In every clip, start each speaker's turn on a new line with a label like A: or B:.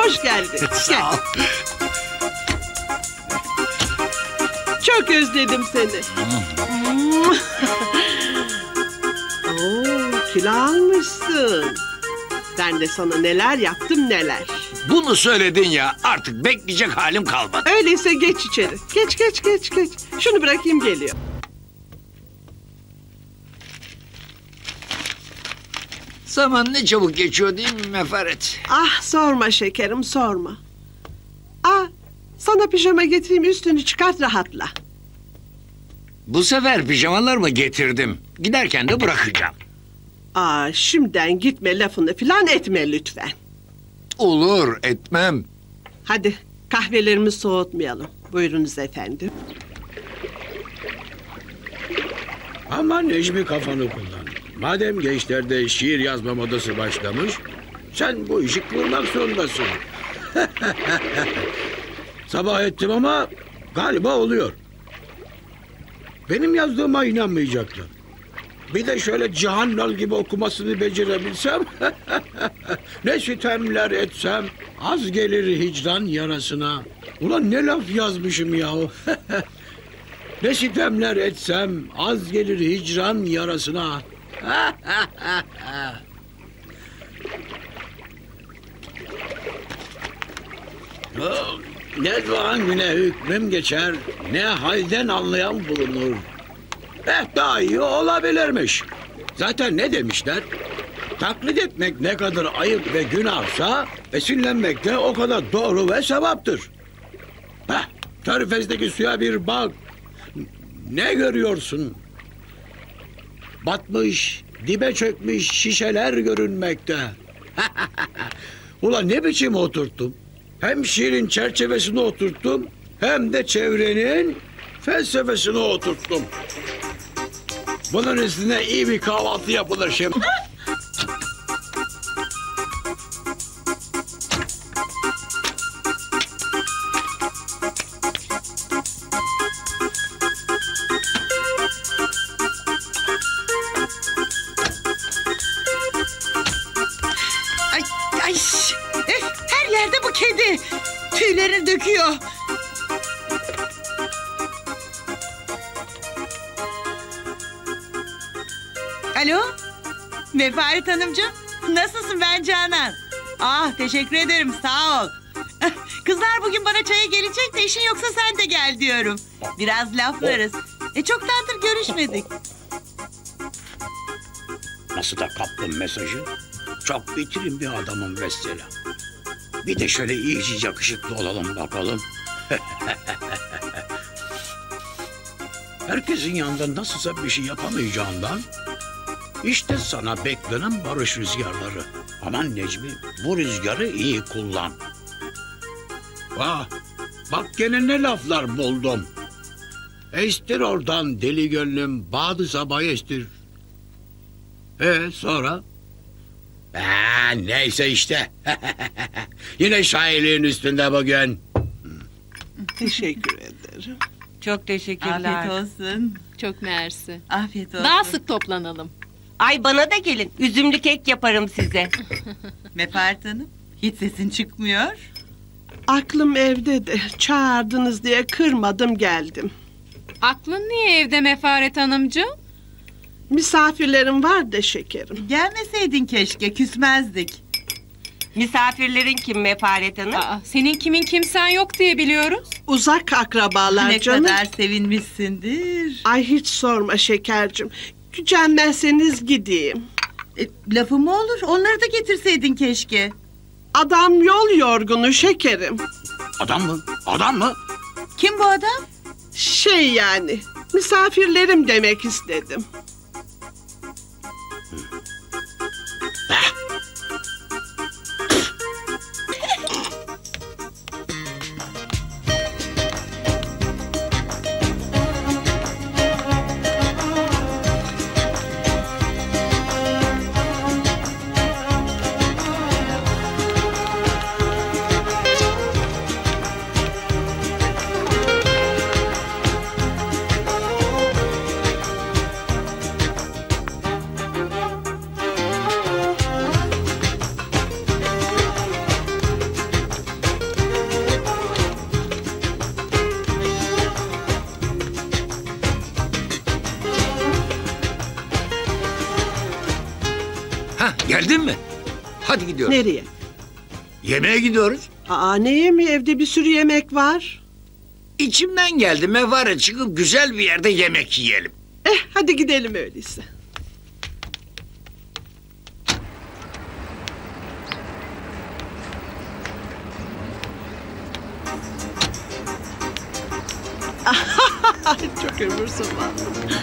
A: hoş geldin.
B: Sağ ol.
A: Çok özledim seni. Oo, kilo almışsın. Ben de sana neler yaptım neler.
B: Bunu söyledin ya, artık bekleyecek halim kalmadı.
A: Öyleyse geç içeri. Geç. Şunu bırakayım, geliyor.
B: Zaman ne çabuk geçiyor değil mi Mefaret?
A: Ah, sorma şekerim, sorma. Ah, sana pijama getireyim, üstünü çıkart, rahatla.
B: Bu sefer pijamalar mı getirdim? Giderken de bırakacağım.
A: Aa, şimdiden gitme lafını filan etme lütfen.
B: Olur, etmem.
A: Hadi kahvelerimizi soğutmayalım. Buyurunuz efendim.
C: Ama Necmi kafanı kullan. Madem gençlerde şiir yazma modası başlamış, sen bu işi kurmak zorundasın. Sabah ettim ama galiba oluyor. Benim yazdığıma inanmayacaklar. Bir de şöyle Cihan Lal gibi okumasını becerebilsem... ne sitemler etsem az gelir hicran yarasına. Ulan ne laf yazmışım yahu. Ne sitemler etsem az gelir hicran yarasına. Ne doğan güne hükmüm geçer, ne halden anlayan bulunur. Daha iyi olabilirmiş. Zaten ne demişler? Taklit etmek ne kadar ayıp ve günahsa, esinlenmek de o kadar doğru ve sevaptır. Körfez'deki suya bir bak. Ne görüyorsun? Batmış, dibe çökmüş şişeler görünmekte. Ulan ne biçim oturttum? Hem şiirin çerçevesini oturttum, hem de çevrenin felsefesini oturttum. Bunun üstüne iyi bir kahvaltı yapılır şimdi.
D: Ay, her yerde bu kedi. Tüylerini döküyor. Alo, Mefaret Hanımcığım. Nasılsın, ben Canan? Ah, teşekkür ederim, sağ ol. Kızlar bugün bana çaya gelecek de işin yoksa sen de gel diyorum. Biraz laflarız. Çoktandır görüşmedik.
C: Nasıl da kaptım mesajı? Çok bitirin bir adamım mesela. Bir de şöyle iyice yakışıklı olalım bakalım. Herkesin yanında nasılsa bir şey yapamayacağından... işte sana beklenen barış rüzgarları. Aman Necmi, bu rüzgarı iyi kullan. Bak gene ne laflar buldum. Estir oradan deli gönlüm, badı sabah estir. Sonra? Neyse işte. Yine şairliğin üstünde bugün.
A: Teşekkür ederim.
D: Çok teşekkürler.
E: Afiyet olsun.
F: Çok mersi.
E: Afiyet olsun.
F: Daha sık toplanalım.
E: Ay bana da gelin. Üzümlü kek yaparım size.
D: Mefaret Hanım, hiç sesin çıkmıyor.
A: Aklım evde de çağırdınız diye kırmadım, geldim.
F: Aklın niye evde Mefaret Hanımcığım?
A: Misafirlerim var da şekerim.
D: Gelmeseydin keşke, küsmezdik.
E: Misafirlerin kim Mefaret Hanım?
F: Aa, senin kimin kimsen yok diye biliyoruz.
A: Uzak akrabalar
D: Ne
A: canım.
D: kadar sevinmişsindir.
A: Ay hiç sorma şekercim. Gücenmezseniz gideyim.
D: Lafı mı olur? Onları da getirseydin keşke.
A: Adam yol yorgunu şekerim.
C: Adam mı? Adam mı?
D: Kim bu adam?
A: Şey yani, misafirlerim demek istedim.
B: Hadi gidiyoruz.
A: Nereye?
B: Yemeğe gidiyoruz.
A: Aa, ne yemeği? Evde bir sürü yemek var.
B: İçimden geldi Mevare çıkıp güzel bir yerde yemek yiyelim.
A: Hadi gidelim öyleyse. Çok ömürsün vallahi.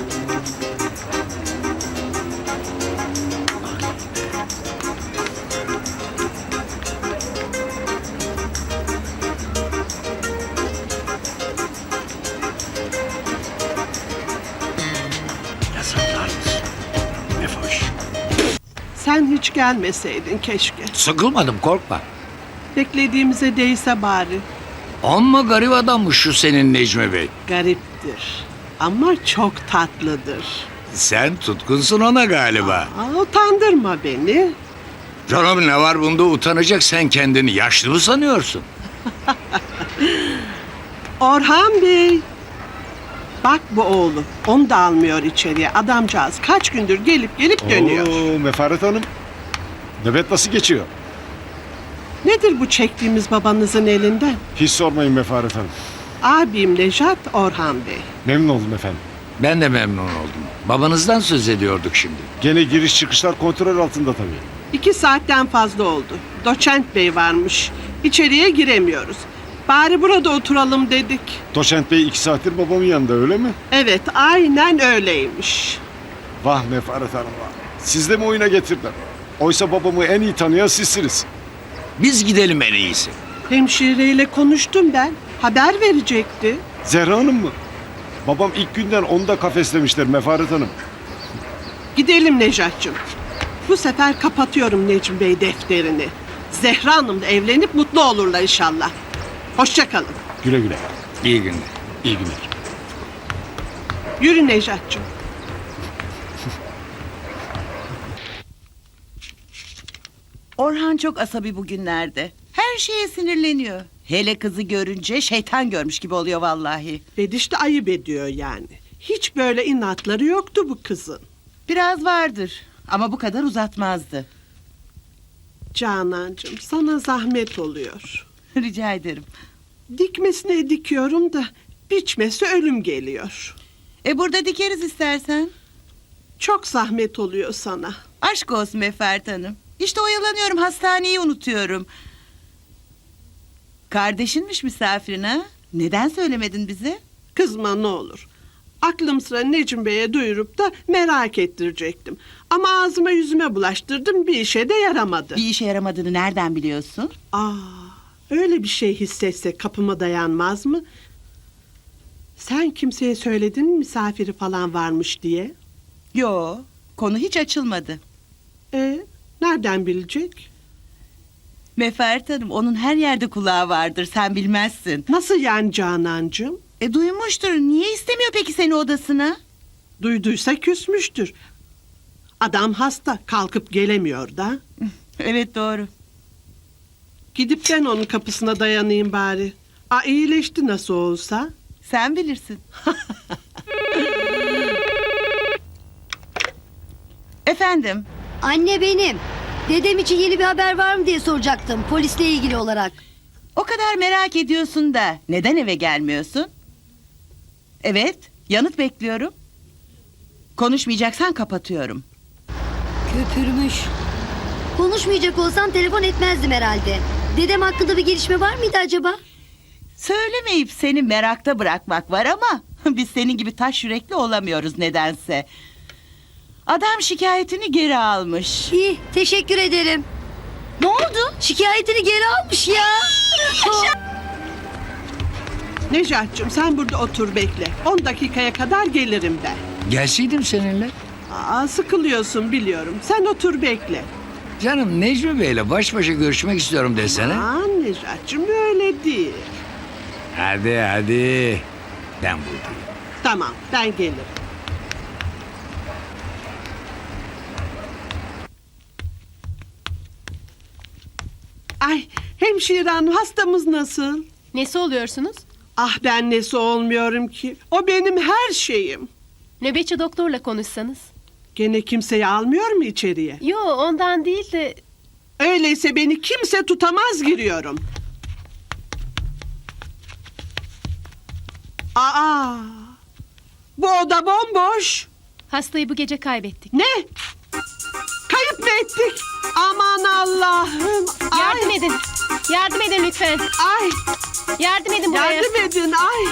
C: Yazıklar olsun. Ne hoş.
A: Sen hiç gelmeseydin keşke.
B: Sıkılmadım korkma.
A: Beklediğimize değse bari.
B: Amma garip adammış şu senin Necmi Bey.
A: Gariptir. Ama çok tatlıdır.
B: Sen tutkunsun ona galiba.
A: Utandırma beni.
B: Canım ne var bunda utanacak, sen kendini yaşlı mı sanıyorsun?
A: Orhan Bey. Bak bu oğlu. Onu da almıyor içeriye. Adamcağız kaç gündür gelip dönüyor.
G: Oo, Mefaret Hanım. Nöbet nasıl geçiyor?
A: Nedir bu çektiğimiz babanızın elinden?
G: Hiç sormayın Mefaret Hanım.
A: Abim Nejat, Orhan Bey.
G: Memnun oldum efendim.
B: Ben de memnun oldum. Babanızdan söz ediyorduk şimdi.
G: Gene giriş çıkışlar kontrol altında tabii.
A: 2 saatten fazla oldu. Doçent Bey varmış. İçeriye giremiyoruz. Bari burada oturalım dedik.
G: Doçent Bey 2 saattir babamın yanında öyle mi?
A: Evet, aynen öyleymiş.
G: Vah Mefaret Hanım vah. Siz de mi oyuna getirdiler? Oysa babamı en iyi tanıyan sizsiniz.
B: Biz gidelim en iyisi.
A: Hemşireyle konuştum ben. Haber verecekti.
G: Zehra Hanım mı? Babam ilk günden onu da kafeslemişler Mefaret Hanım.
A: Gidelim Nejat'cığım. Bu sefer kapatıyorum Necmi Bey defterini. Zehra Hanım'la evlenip mutlu olurlar inşallah. Hoşça kalın.
G: Güle güle.
B: İyi günler.
G: İyi günler.
A: Yürü Nejat'cığım.
D: Orhan çok asabi bugünlerde. Her şeye sinirleniyor. Hele kızı görünce şeytan görmüş gibi oluyor vallahi.
A: Bediş de ayıp ediyor yani. Hiç böyle inatları yoktu bu kızın.
D: Biraz vardır ama bu kadar uzatmazdı.
A: Canancığım sana zahmet oluyor.
D: Rica ederim.
A: Dikmesine dikiyorum da biçmesi ölüm geliyor.
D: Burada dikeriz istersen.
A: Çok zahmet oluyor sana.
D: Aşk olsun Mefert Hanım. İşte oyalanıyorum, hastaneyi unutuyorum. Kardeşinmiş misafirin ha? Neden söylemedin bize?
A: Kızma ne olur. Aklım sıra Necmi Bey'e duyurup da merak ettirecektim. Ama ağzıma yüzüme bulaştırdım, bir işe de yaramadı.
D: Bir işe yaramadığını nereden biliyorsun?
A: Öyle bir şey hissetse kapıma dayanmaz mı? Sen kimseye söyledin mi misafiri falan varmış diye?
D: Yo, konu hiç açılmadı.
A: Nereden bilecek?
D: Mefert Hanım, onun her yerde kulağı vardır, sen bilmezsin.
A: Nasıl yani Canancığım?
D: Duymuştur, niye istemiyor peki seni odasına?
A: Duyduysa küsmüştür. Adam hasta, kalkıp gelemiyor da.
D: Evet, doğru.
A: Gidip ben onun kapısına dayanayım bari. İyileşti nasıl olsa.
D: Sen bilirsin. Efendim?
H: Anne benim. Dedem için yeni bir haber var mı diye soracaktım polisle ilgili olarak.
D: O kadar merak ediyorsun da neden eve gelmiyorsun? Evet, yanıt bekliyorum. Konuşmayacaksan kapatıyorum.
H: Köpürmüş. Konuşmayacak olsam telefon etmezdim herhalde. Dedem hakkında bir gelişme var mıydı acaba?
D: Söylemeyip seni merakta bırakmak var ama biz senin gibi taş yürekli olamıyoruz nedense. Adam şikayetini geri almış.
H: İyi, teşekkür ederim.
D: Ne oldu?
H: Şikayetini geri almış ya.
A: Necat'cığım sen burada otur bekle. 10 dakikaya kadar gelirim ben.
B: Gelseydim seninle.
A: Sıkılıyorsun biliyorum. Sen otur bekle.
B: Canım Necmi Bey'le baş başa görüşmek istiyorum desene.
A: Necat'cığım öyle değil.
B: Hadi. Ben buradayım.
A: Tamam ben gelirim. Ay hemşire hanım hastamız nasıl?
I: Nesi oluyorsunuz?
A: Ben nesi olmuyorum ki. O benim her şeyim.
I: Nöbetçi doktorla konuşsanız.
A: Gene kimseyi almıyor mu içeriye?
I: Yo ondan değil de
A: Öyleyse beni kimse tutamaz giriyorum. Aa! Bu oda bomboş.
I: Hastayı bu gece kaybettik.
A: Ne? Kayıp mı ettik? Aman Allah'ım.
I: Yardım edin. Yardım edin lütfen.
A: Ay,
I: Yardım edin buraya.
A: yardım edin. Ay.